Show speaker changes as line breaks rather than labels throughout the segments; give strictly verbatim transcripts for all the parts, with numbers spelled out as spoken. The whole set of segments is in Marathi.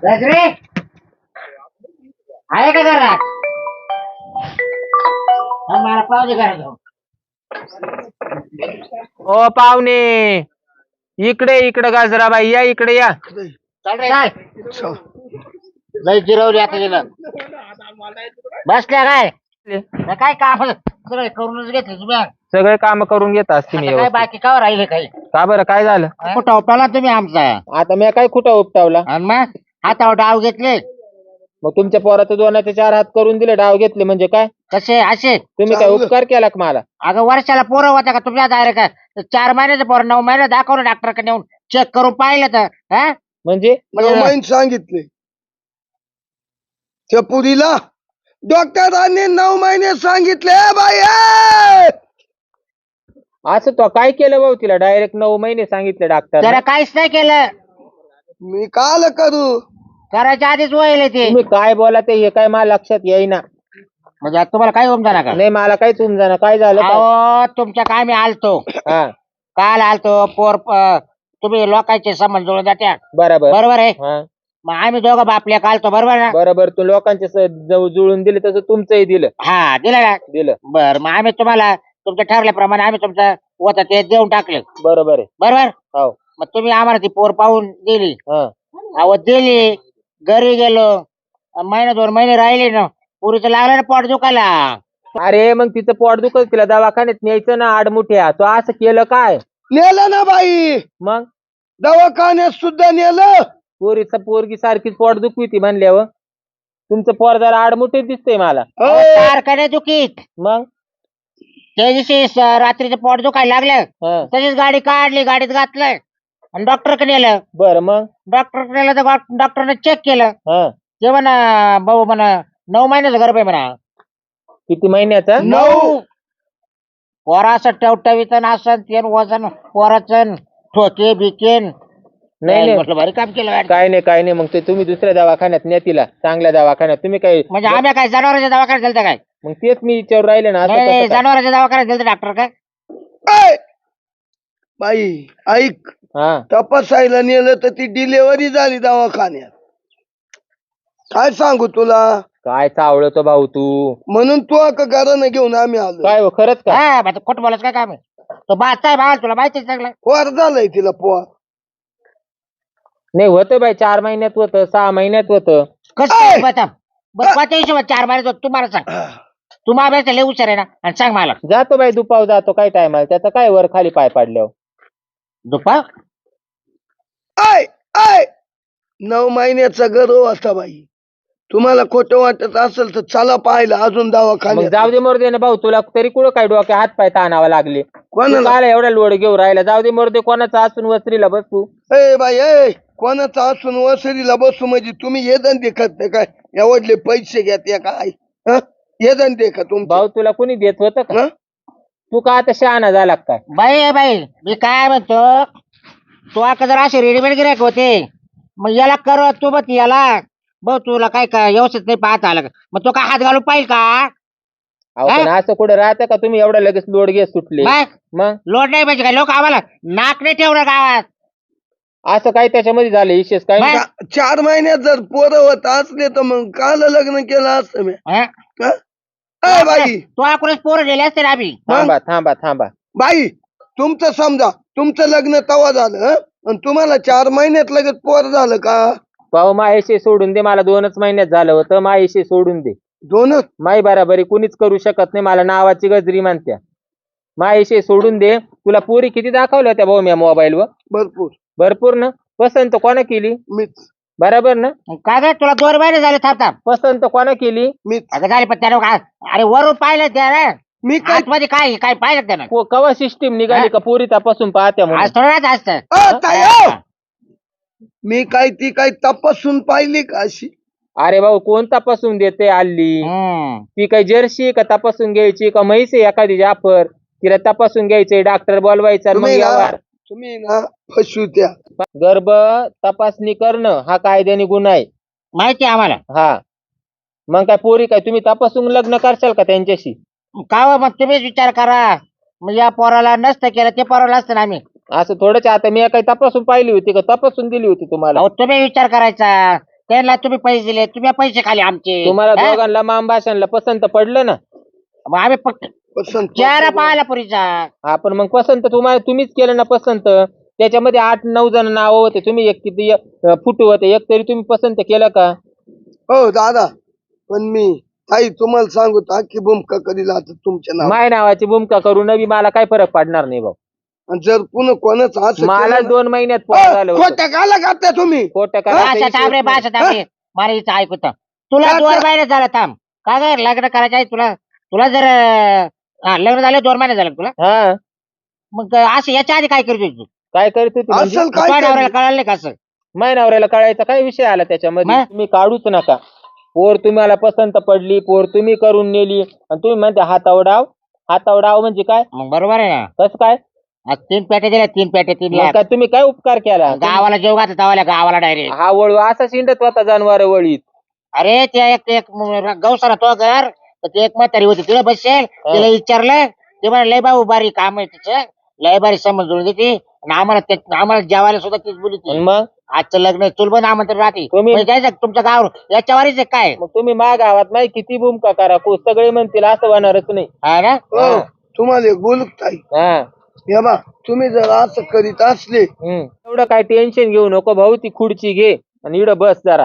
गजरे आहे का घरात? हा, मला पाव दे घरात जाऊन.
ओ पाहुणे, इकडे इकडे गाजराबाई या, इकडे या.
चल रे चल. लय जिरवली आता गेलं. बसल्या काय तर काय काम सगळे करूनच घेतले तुम्ही.
सगळे काम करून घेत असते मी
आता काय
व्यवस्थित.
बाकी का राहिले काही?
का बरं, काय झालं?
कुठं उपटाला तुम्ही आमचा?
आता मी काय कुठं उपटावला?
आणि मग हातावर डाव घेतले
मग तुमच्या पोराचं दोनाचे चार हात करून दिले, डाव घेतले म्हणजे काय?
कसे असे?
तुम्ही काय उपकार केला का मला?
अगं वर्षाला पोरं होता का तुमच्या डायरेक्ट काय? चार महिन्याचं पोरं नऊ महिने दाखवलं डॉक्टरकडे नेऊन चेक करून पाहिलं तर हा
म्हणजे
नऊ महिने सांगितले त्या पुरीला. डॉक्टरांनी नऊ महिने सांगितले बाई. ए!
असं तो काय केलं भाऊ तिला? डायरेक्ट नऊ महिने सांगितले डॉक्टर.
त्याला काहीच नाही केलं.
मी काल करू?
करायच्या आधीच वळले ते.
तुम्ही काय बोला ते हे काय मला लक्षात येईना.
म्हणजे आता तुम्हाला काय होऊन जाणार का?
नाही मला काय समजाना काय झालं काय?
अहो तुमच्या काय मी आलतो
हा
काल आलतो पोर प- तुम्ही लोकांचे संबंध जुळून जात्या
बरोबर.
बरोबर आहे.
हा
मग आम्ही दोघं बापल्या कालतो बरोबर ना?
बरोबर. तू लोकांचे स- जवळ जुळून दिले तसं तुमचंही दिलं.
हा दिलं ना.
दिलं
बर मग आम्ही तुम्हाला तुमचं ठरल्याप्रमाणे आम्ही तुमचं होतं ते देऊन टाकलं
बरोबर आहे.
बरोबर.
हो
मग तुम्ही आम्हाला ती पोर पाहून दिली.
हा
अहो दिली, घरी गेलो, महिना दोन महिने राहिले ना, पुरीचं लागलं ना पोट दुखायला.
अरे मग तिचं पोट दुखत तिला दवाखान्यात न्यायचं ना आडमुठ्या. तो असं केलं काय?
नेलं ना बाई,
मग
दवाखान्यात सुद्धा नेलं.
पोरीचं पोरगी सारखीच पोट दुखवी ती म्हणल्यावर तुमचं पोर जरा आडमुठे दिसतंय मला.
अहो,
ए!
सारखं नाही दुखीत.
मग
त्या दिवशी स- रात्रीचं पोट दुखायला लागलं
हा
तशीच गाडी काढली, गाडीत घातलं आणि डॉक्टरकडे नेलं.
बर मग
डॉक्टरकडे नेलं तर डॉक्टरने चेक केलं.
हा
ते म्हणा भाऊ म्हणा नऊ महिन्याचं गर्भ आहे म्हणा.
किती महिन्याचा?
नऊ.
पोरा असं टवटवीत असं तेन वजन पोराचं ठोके बिकेन.
नाही नाही
म्हटलं भारी काम केलं गाडी.
काय नाही काय नाही. मग ते तुम्ही दुसऱ्या दवाखान्यात न्या तिला, चांगल्या दवाखान्यात. तुम्ही काय
म्हणजे आम्ही काय जनावरांच्या दवाखान्यात गेलतो काय?
मग तेच मी विचारून राहिले ना. असं
नाही नाही,
कसं काय?
जनावरांच्या दवाखान्यात गेलतो डॉक्टर काय?
ए! बाई ऐक,
हा
तपासायला नेलं तर ती डिलेव्हरी झाली दवाखान्यात. काय सांगू तुला?
काय चावळतो भाऊ तू?
म्हणून तू अका घरानं घेऊन आम्ही आलो.
काय हो, खरंच का?
हा मग खोट बोलायचं काय काम आहे? तो बाचा आहे बाळ, तुला माहिती आहे सगळं.
पोर झालंय तिला पोर.
नाही होतं बाई, चार महिन्यात होतं, सहा महिन्यात होतं.
कसं बता बस पाच हिशोबात चार महिन्यात तुम्हाला सांग. तुम्हाला अभ्यास लय हुशार आहे ना, आणि सांग मला.
जातो बाई दुपाव जातो, काय टाइम आहे त्याचा? काय वर खाली पाय पाडल्यावर
दुपा
आय आय नऊ महिन्याचा गर्भ होता बाई. तुम्हाला खोटं वाटत असेल तर चला पाहिलं अजून
मग
दवाखान्यात.
जाऊ दे मोरदे ना भाऊ. तुला तरी कुठं काय डोक्या हात पाय ताणावा लागले?
कोणाला?
काय एवढा लोड घेऊन राहिला? जाऊ दे मोरदे, कोणाचा असून वसरीला बसू.
ए बाई ए, कोणाचा असून वसरीला बसू म्हणजे तुम्ही हे धंदे करते काय? एवढले पैसे घेते काय? हं? हे धंदे का तुमचे?
भाऊ तुला कुणी देत होतं का?
हं?
तू का आता शहाणा झाला का काय?
बाई आहे बाई, मी काय म्हणतो, तू आता जर असे रेडीमेड गिरायक होते, मग याला कर तू बघ याला बघ, तुला काय काय व्यवस्थित नाही पाहता आलं का? मग तो काय हात घालून पाहिजे का?
अहो पण असं कुठं राहतं का? तुम्ही एवढं लगेच लोड घेत सुटले?
मग
मग
लोड नाही पाहिजे काय? लोक आम्हाला नाक नाही ठेवलं गावात.
असं काय त्याच्यामध्ये झालं विशेष काय?
मग?
चा- चार महिन्यात जर पोरं होत असले तर मग काल लग्न केलं असतं मी.
हं?
हं? ए बाई
तू आकुणच पोरं दिले असते ना आम्ही.
थांबा थांबा थांबा.
बाई, तुमचं समजा तुमचं लग्न तवा झालं हं? आणि तुम्हाला चार महिन्यात लगेच पोर झालं का?
भाऊ मायशी सोडून दे, मला दोनच महिन्यात झालं होतं. मायशी सोडून दे.
दोनच?
माई बराबरी कुणीच करू शकत नाही. मला नावाची गजरी म्हणत्या. मायशी सोडून दे. तुला पोरी किती दाखवल्या होत्या भाऊ मी मोबाईल वर?
भरपूर.
भरपूर ना. पसंत कोणा केली?
मीच
बरोबर ना.
काय काय तुला दोन महिने झाले थांब थांब.
पसंत कोणा केली?
मीच
अगं झाले पण त्यानं काय, अरे वरून पाहिलं त्यानं
मी काय
आतमध्ये काय काय पाहिलं त्यानं.
को- कवा सिस्टीम निघाली का पोरी तपासून पाहत्या म्हणून?
आज थोडं असतं.
अ, ताई, ओ! मी काय ती काय तपासून पाहिली का अशी?
अरे भाऊ कोण तपासून देते हल्ली?
हम्म.
ती काही जर्सी का तपासून घ्यायची का म्हैस आहे एखादी जाफर? तिला तपासून घ्यायचंय, डॉक्टर बोलवायचा आणि मग
तुम्ही ना
व्यवहार.
तुम्ही ना फसू त्या.
गर्भ तपासणी करणं हा कायद्याने गुन्हा आहे.
माहिती आहे आम्हाला.
हा मग काय पोरी काय तुम्ही तपासून लग्न करशाल का त्यांच्याशी?
का हो, मग तुम्हीच विचार करा. मग या पोराला नसतं केलं ते पोराला असतं ना आम्ही.
असं थोडंच. आता मी काही तपासून पाहिली होती का? तपासून दिली होती तुम्हाला?
अहो तुम्ही विचार करायचा. त्यांना तुम्ही पैसे दिले, तुम्ही पैसे खाले आमचे.
तुम्हाला
हा?
दोघांना मामभाषणला पसंत पडलं ना?
मग आम्ही फक्त
पसंत
चेहरा
पडतो.
पाहिला पुरीचा.
आपण मग पसंत तुम्हाला तुम्हीच केलं ना पसंत. त्याच्यामध्ये आठ नऊ जण नाव होते, तुम्ही एक किती एक फुटू होते, एक तरी तुम्ही पसंत केलं का?
हो दादा, पण मी ताई तुम्हाला सांगू की भूमिका कधी लागत तुमच्या नाव.
माय नावाची भूमिका करू नवी मला काय फरक पडणार नाही भाऊ.
आणि जर पुन्हा कोणाच असं
मला
केलं ना-
दोन महिन्यात
हो,
पोर झालं होतं.
खोटं काला करता तुम्ही.
खोटं
भाषा
करायचं
थांब रे,
विषयच
भाषा थांब रे. मला इथं ऐकूत तुला
काय
दोन
तर-
महिने झालं थांब. का ग लग्न करायचं आहे तुला? तुला जर अं, हा, लग्न झालं दोन महिने झालं तुला.
नाही. हा
मग असं याच्या आधी काय करतो तू?
काय करत होती म्हणजे?
असल काय
तुझ्या नवऱ्याला
करते?
कळालं नाही का असं?
माय नवऱ्याला कळायचा काय विषय आला त्याच्यामध्ये?
मग?
तुम्ही काढूच नका. पोर तुम्हाला पसंत पडली, पोर तुम्ही करून नेली आणि तुम्ही म्हणते हातावर डाव. हातावर डाव म्हणजे काय?
मग बरोबर आहे ना.
कसं काय?
आज तीन पेट्या दिल्या, तीन पेट्या तीन
मग
लाख.
काय तुम्ही काय उपकार केला?
गावाला जेव घातला तवाल्या गावाला डायरेक्ट.
हा वळू असा शिंडत होता जनावर वळीत.
अरे ते एक एक गौसाला तो घर तर ते एक म्हातारी होती तिला बसेल तिला विचारलं ते म्हणे लय भाऊ बारी काम आहे तिचं लय बारी समज जुळून देते आणि आम्हाला ते आम्हाला जेवायला सुद्धा तीच बोली
आणि मग
आजचं लग्न चुलबन आमंत्रण राहते.
तुम्ही-
म्हणजे काय तुमच्या गाव याच्यावरच आहे काय?
मग तुम्ही मा गावात नाही किती भूमिका करा को सगळे म्हणतील असं होणारच नाही.
हा ना.
हो, तुम्हाला एक बोलू का ताई?
हा
हे बा तुम्ही जर असं करीत असले
हम्म. एवढं काय टेन्शन घेऊ नको भाऊ. ती खुर्ची घे आणि इकडं बस जरा.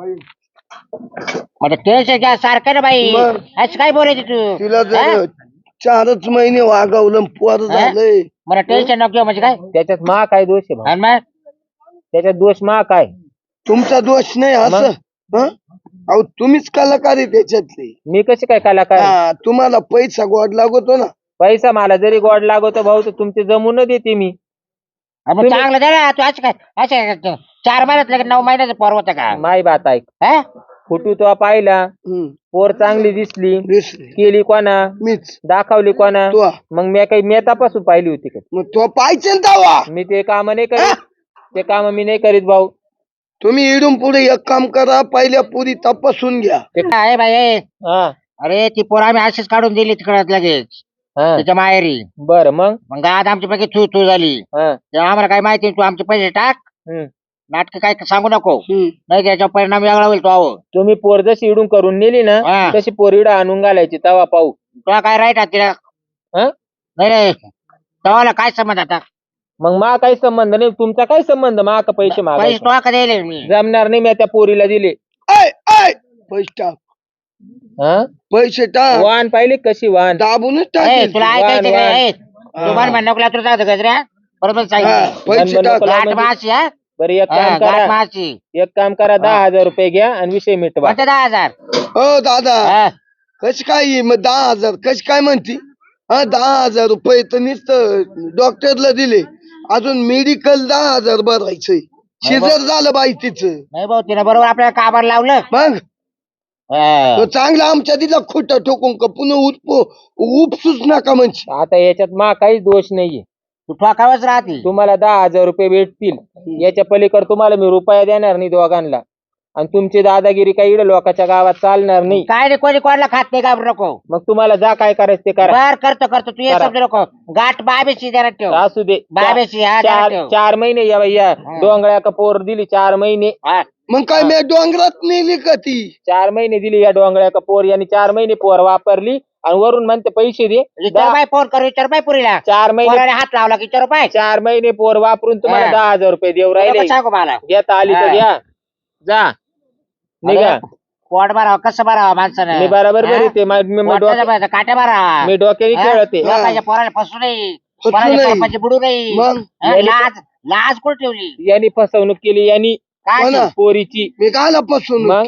म्हणजे टेन्शन घ्या सारखं ना बाई.
मग?
असं काय बोलायची तू?
तिला
हा?
जर चारच महिने वागवलं पोर
हा?
झालंय
मला टेन्शन नको घेऊ म्हणजे काय?
त्याच्यात मा काय दोष आहे भाऊ?
आणि मग
त्याच्यात दोष मा काय?
तुमचा दोष नाही असं. हं? अहो तुम्हीच कलाकार आहे त्याच्यातले.
मी कशी काय कलाकार?
हा, तुम्हाला पैसा गोड लागतो ना.
पैसा मला जरी गोड लागतो भाऊ तर तुमचे जमून देते मी.
मग
तुम्ही-
चांगलं दे ना तू असं काय असं चार महिन्यात लगे नऊ महिन्याचं पोर होतं का?
माय बात ऐक.
हा?
फुटू तो पाहिला,
हम्म,
पोर चांगली दिसली,
दिसले.
केली कोणा,
मीच
दाखवली कोणा.
तो
मग मी काही मी तपासून पाहिली होती का?
मग तो पाहिजे ना तवा.
मी ते काम नाही करीत. ते काम मी नाही करीत भाऊ.
तुम्ही इडून पुढे एक काम करा, पहिल्या पुरी तपासून घ्या.
ते
आहे बाई ए.
हा
अरे ती पोर आम्ही अशीच काढून दिली तिकडे लगेच
हा
त्याच्या माहेरी.
बर मग
मग आज आमची पैकी थू थू झाली.
हा
तेव्हा आम्हाला काय माहिती नाही, तू आमचे पैसे टाक
हम्म.
नाटक काय सांगू नको
हम्म.
नाही त्याचा परिणाम वेगळा होईल तो अहो.
तुम्ही पोर जशी इडून करून नेली ना
हा.
तशी पोर इडं आणून घालायची तवा पाहू.
तुला काय राईट आहे तिला?
हा?
नाही रे तवाला काय समज आता?
मग मा काही संबंध नाही. तुमचा काय संबंध मा का पैसे
पैसे
मागायचे?
तुला का द्यायले मी?
जमणार नाही. मी त्या पोरीला दिले.
ऐ, ऐ, पैसे टाक,
हा
पैसे टाक.
वाहन पाहिली कशी वाहन?
दाबूनच
ए,
टाकेल.
तुला
वाण,
ऐकायचं
वाण.
काय? तू म्हण म्हण नको तुला जाऊ गजऱ्या बरोबर
हा,
सांगितलं.
पैसे
बंद
टाक.
नको.
गाठ
म्हणजे-
माशी हा
बरं एक
हा,
काम
गाठ
करा.
माशी
एक काम करा दहा हजार रुपये घ्या आणि विषय मिटवा.
कोणते दहा हजार?
हो दादा,
हा.
कशी काय ही? मग दहा हजार कशी काय म्हणती? हा, दहा हजार रुपये तर नुसतं डॉक्टरला दिले, अजून मेडिकल दहा हजार भरायचंय. शिजर झालं बाई तिचं.
नाही भाऊ तिने बरोबर आपल्याला कामाला लावलं.
मग
हा.
तो चांगला आमच्या तिला खोटं ठोकून का पुन्हा उपो उपसूच नका म्हणजे.
आता याच्यात मा काहीच दोष नाहीये.
तू ठोकावच राहते.
तुम्हाला दहा हजार रुपये भेटतील. याच्या पलीकडे तुम्हाला मी रुपया देणार नाही दोघांना. आणि तुमची दादागिरी काही इकडे लोकांच्या गावात चालणार नाही.
काय रे कोणी कोणाला खात नाही घाबरू नको.
मग तुम्हाला जा काय करायचं ते करा.
बर करतो करतो तू ये
करा.
समजू नको. गाठ बाबेशी जरा ठेव.
असू दे.
बाबेशी हा जरा
चार
ठेव.
चार महिने या बाई या डोंगळ्या का पोर दिली चार महिने.
हा.
मग काय मी डोंगरात नेली का ती?
चार महिने दिली या डोंगळ्या का पोर यांनी चार महिने पोर वापरली आणि वरून म्हणते पैसे दे.
विचार बाय फोन करू विचार बाय पुरीला.
चार महिने
पोराने हात लावला की विचार बाय.
चार महिने पोर वापरून तुम्हाला
हा.
दहा हजार रुपये देऊ राहिले.
नको सांगू मला.
घेता आली तर
हा.
घ्या. जा निघा.
अरे, पोट भरावं कसं भरावं माणसानं?
मी बरोबर
हा?
बरी ते मा- मी- मी
पोटाचं
डोक्या-
भरायचं, काट्या भरावा.
मी डोक्याने
हा?
खेळते.
हा.
लोकांच्या पोराला फसू नाही.
फसू
पोराच्या
नाही.
पोरापाशी बुडू नाही.
मग?
हा?
याने-
लाज लाज कुठे ठेवली?
यांनी फसवणूक केली यांनी
काय
हो ना.
ती?
पोरीची.
मी कायला पासून
मग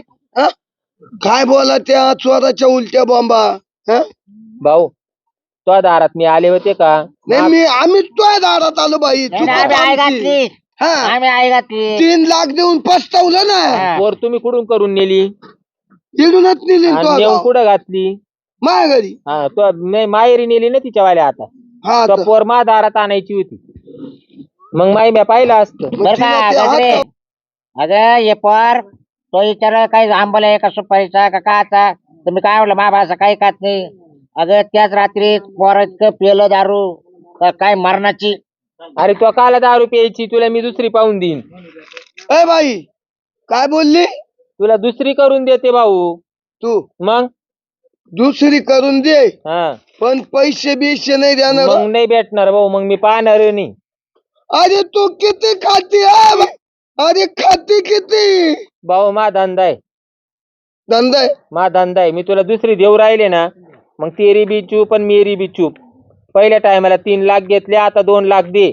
काय बोला त्या चोराच्या उलट्या बॉम्बा? हं?
भाऊ तो दारात मी आले होते का?
नाही मी आम्ही तुझ्या दारात आलो बाई.
नाही,
तू
नाही, आम्ही आई
का आमची?
घातली.
हा,
आम्ही आई घातली.
तीन लाख देऊन पस्तावलं ना.
हा.
पोर तुम्ही कुठून करून नेली
तिडूनच नेली
आणि
तो
नेऊन कुठं घातली?
माझ्या घरी.
हा तो नाही माहेरी नेली ना तिच्या वाल्या. आता
हा
तो
तर.
पोर मा दारात आणायची होती. मग माई म्या पाहिलं असतं.
मग
बर
तिला
का
ते
गजरे?
हात-
अगं ये पोर तो विचार काही आंबला आहे का सुपारीचा का काचा तर मी काय म्हटलं मा भाषा काही खात नाही. अगं त्याच रात्री पोर इतकं पेलं दारू का काय मरणाची.
अरे तो काला दहा रुपये यायची तुला मी दुसरी पाहून देईन.
ए बाई काय बोलली?
तुला दुसरी करून देते भाऊ.
तू
मग
दुसरी करून दे,
हा
पण पैसे बिशे नाही देणार.
मग नाही भेटणार भाऊ, मग मी पाहणार नाही.
अरे तू किती खाती हा बा? अरे खाती किती?
भाऊ मा धंदा आहे,
धंदा आहे.
मा धंदा आहे. मी तुला दुसरी देऊ राहिले ना, मग तेरी बी चूप आणि मेरी बी चूप. पहिल्या टायमाला तीन लाख घेतले, आता दोन लाख दे.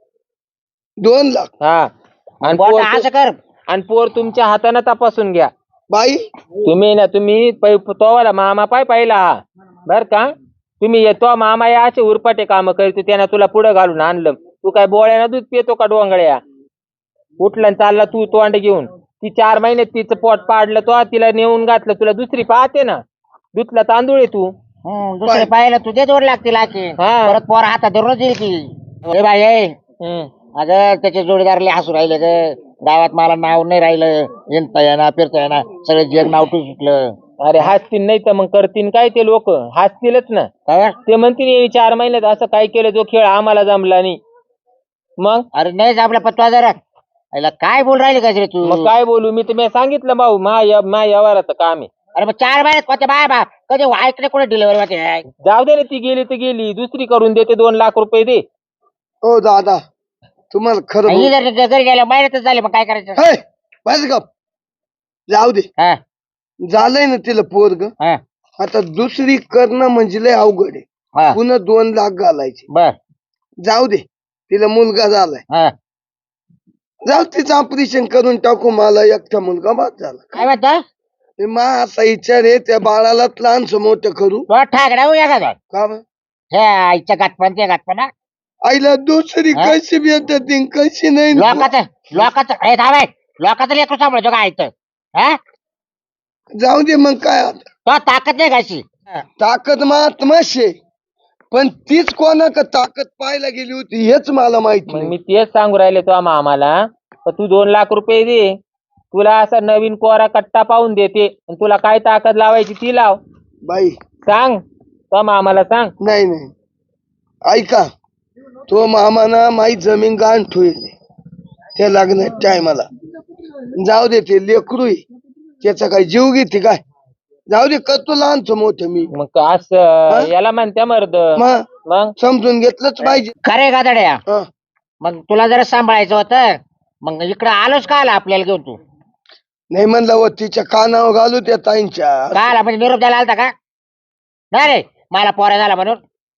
दोन लाख
हा आणि
बोट
पोर
असं कर.
आणि पोर तुमच्या हाताने तपासून घ्या.
बाई.
तुम्ही ना तुम्ही पै- तोवाला मामा पाय पाहिला हा बर का. तुम्ही येतो मामा या असे उरपाटे काम करतो, त्यानं तुला पुढे घालून आणलं. तू काय बोळ्यानं दूध पितो का डोंगळ्या? उठला आणि चालला तू तोंड घेऊन. ती चार महिन्यात तिचं पोट पाडलं, तो तिला नेऊन घातलं. तुला दुसरी पाहते ना, दुधला तांदूळ आहे तू.
हम्म, दुसरे पाहिलं तुझे दोन लागतील आखी.
हा.
परत पोर हातात धरून येईल की ए बाई ए.
हम्म.
अगं त्याचे जोडीदारले हसू राहिले ग. गावात मला नाव नाही राहिलं, येणता येणार फिरता येणार, सगळे जग नाव टू सुटलं.
अरे हसतील नाही तर मग करतील काय ते लोक? हसतीलच ना.
काय?
ते म्हणतील "हे चार महिन्यात असं काय केलं, जो खेळ आम्हाला जमला नाही." मग
अरे नाही आपल्या पत्ता जरा याला काय बोल राहिले का रे तू?
मग काय बोलू मी? तुम्ही सांगितलं भाऊ, मा मा व्यवहाराचं काम आहे.
अरे मग चार महिन्यात कोणत्या बाय बा कधी ऐकले कोणी डिलिव्हरी होते?
जाऊ दे रे, ती गेली तर गेली, दुसरी करून देते. दोन लाख रुपये दे.
ओ दादा, तुम्हाला खरं
ही
बोल-
जर घरी गेल्या महिन्यातच झाले, मग काय करायचं?
हे, बस गप. जाऊ दे,
हा,
झालंय ना तिला पोरग.
हा,
आता दुसरी करणं म्हणजे लय अवघड आहे.
हा.
पुन्हा दोन लाख घालायचे.
बर.
जाऊ दे, तिला मुलगा झालाय.
हा.
जाऊ तिचं ऑपरेशन करून टाकू, मला एकटा मुलगा बाद झाला.
काय म्हणतो?
हे मा असा विचार आहे, त्या बाळाला लहानस मोठं करू.
तो ठाकरा हो एखादा
का बरं?
हे आईच्या गाठपण ते गाठपणा
आईला दुसरी
हा?
कशी भेटत ती, कशी नाही.
लोकाचं लोकाचं हे थांबाय लोकाचं लेकरू सांभाळतो का ऐकतं? हा,
जाऊ दे मग काय आता.
तो ताकद नाही घाशी.
ताकद महात्माशे, पण तीच कोणाक ताकद पाहायला गेली होती हेच मला माहित
मग
नाही.
मी तेच सांगू राहिले तो आम्हाला, तू दोन लाख रुपये दे. तुला असा नवीन कोरा कट्टा पाहून देते, आणि तुला काय ताकद लावायची ती लाव.
बाई
सांग तो आम्हाला सांग.
नाही नाही, ऐका, तो मामाना माई जमीन गाण ठेवली त्या लग्नात टायमाला. जाऊ दे, ते लेकरू आहे, त्याचा काय जीव घेते काय? जाऊ दे, करतो लहानच मोठं मी.
मग असं याला म्हणत्या मर्द.
मग
मग
समजून घेतलंच पाहिजे.
खरे गादड्या,
हं.
मग तुला जरा सांभाळायचं होतं, मग इकडं आलोच का आला आपल्याला घेऊन तू?
नाही म्हणलं व तिच्या कानावर घालू त्या ताईंच्या.
का आला म्हणजे निरोप द्यायला आलता का? नाही रे, मला पोरा झाला म्हणून.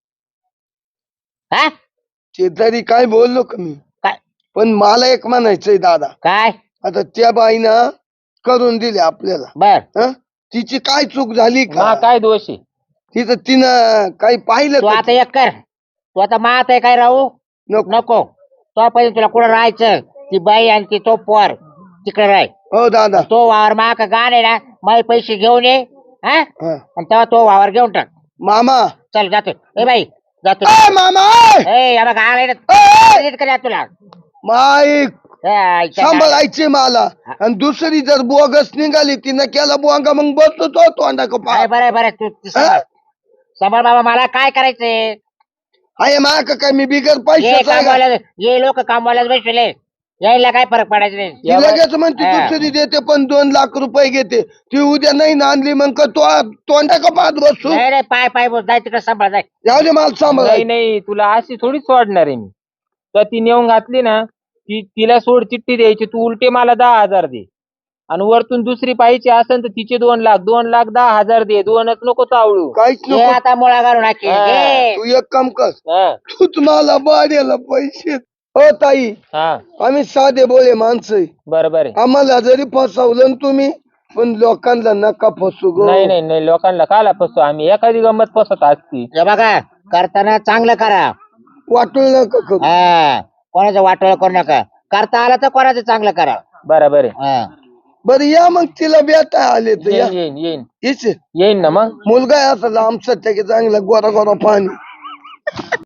हा,
ते तरी काय बोललो का मी?
काय
पण मला एक म्हणायचंय दादा,
काय?
आता त्या बाईनं करून दिले आपल्याला.
बर.
हं? तिची काय चूक झाली
मा
का?
काय दोष आहे?
तिचं तिनं काही पाहिलं
तू
का?
आता एक कर, तू आता मात आहे काय राहू
नको.
नको. तो पहिले तुला कुठं राहायचं, ती बाई आणि ती तो पोर तिकडे राह.
हो दादा.
तो वावर माग गाण आहे ना, माझे पैसे घेऊन ये. हा,
हं.
आणि तेव्हा तो वावर घेऊन टाक.
मामा.
चल जातो. ए बाई जातो.
ए मामा, ए!
ए या बघ आलाय
ए!
ना कर तुला.
माईक
ए, आईच्या गाड्या.
सांभाळायचे मला, आणि दुसरी जर बोगस निघाली तिनं केला बोंगा, मग बसतो तो तोंडा का
बरं बरं बरं, तू तू सांभाळ. सांभाळ बाबा, मला काय करायचंय?
आहे मा का काय मी बिगर
ये
पैशाचा आहे का?
कामवाल्या, ये लोक कामवाल्याच बसले, यायला काय फरक पडायचं नाही.
ती लगेच म्हणते
हा.
दुसरी देते पण दोन लाख रुपये घेते. ती उद्या नाही ना आणली मग का तो तोंडा का पाहत बसू.
नाही रे, पाय पाय बोल, जाय तिकडे सांभाळ जाय.
जाऊ दे मला सांभाळ.
नाही नाही, तुला अशी थोडी सोडणार आहे मी. तर ती नेऊन घातली ना, ती तिला सोड चिठ्ठी द्यायची, तू उलटे मला दहा हजार दे. आणि वरतून दुसरी पाहिजे असेल तर तिचे दोन लाख दोन लाख दहा हजार दे. दोनच नको चावळू.
काहीच
ये
नको.
आता मुळा घालून टाकी.
हा.
ये.
तू एक काम कर,
हा
तू तुम्हाला बाड्याला पैसे. हो ताई,
हा
आम्ही साधे बोळे माणसं आहे.
बरोबर आहे.
आम्हाला जरी फसवलं ना तुम्ही, पण लोकांना नका फसू गो.
नाही नाही नाही, लोकांना काला फसतो आम्ही? एखादी गंमत फसत असती.
हे बघा, करताना चांगलं करा.
वाटून नका करू.
हा, कोणाचं वाटोळ करू नका. करता आला तर कोणाचं चांगलं करा.
बरोबर आहे.
हा.
बरं या मग तिला बेटा आले तर या.
येईन येईन येईन
हीच
येईन ना मग.
मुलगा आहे असा लांबचा, त्याचे चांगला गोरा गोरा पाणी.